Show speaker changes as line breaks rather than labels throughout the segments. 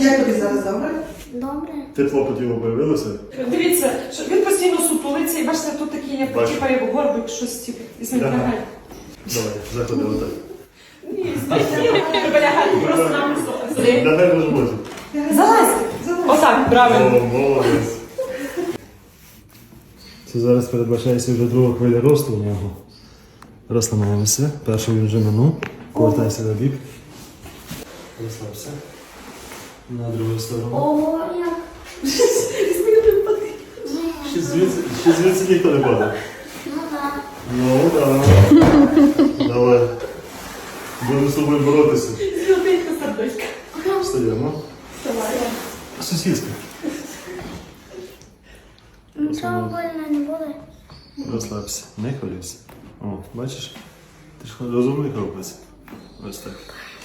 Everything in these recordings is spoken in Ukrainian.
Як тобі зараз добре?
Добре.
Тепло по тілу появилося?
Дивіться, що він постійно сутулиться, і бачите, тут такий, як
Бачу.
типа як горбик, щось типу, із лягає.
Давай, заходи отак.
Ні, треба лягати просто на високо.
Давай може бути.
Залазь! Отак, правильно.
О, молодець. Це зараз передбачається вже друга хвиля росту у нього. Розслабляємося. Першу він вже минув. Повертайся на бік. Розслабся. На другу сторону.
Ого, як.
Ще звідси ніхто не падає.
Ну так.
Ну, так. Давай. Будемо з тобою боротися.
Золотенька сердечка.
Встаємо.
Давай.
Сусідська.
Нічого больно не буде.
Розслабся. Не хвилюйся. О, бачиш? Ти ж розумний хлопець. Ось так.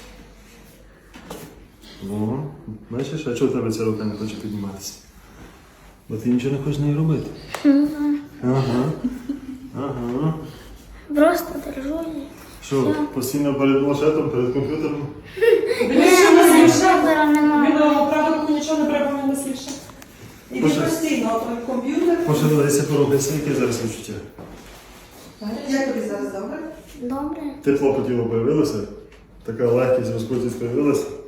О, бачиш, а чого в тебе ця рука не хоче підніматися? Бо ти нічого не хочеш нею робити. Ага. Ага.
Просто держу її.
Що, постійно перед планшетом, перед комп'ютером?
Дивись, що нас ліпше.
Комп'ютера немає.
Він правда руку нічого не треба, він нас ліпше. І він постійно комп'ютер.
Пошевелися, порухайся, яке зараз відчуття?
Як тобі зараз добре?
Добре.
Тепло по тілу появилося? Така легкість, розкрутість появилася?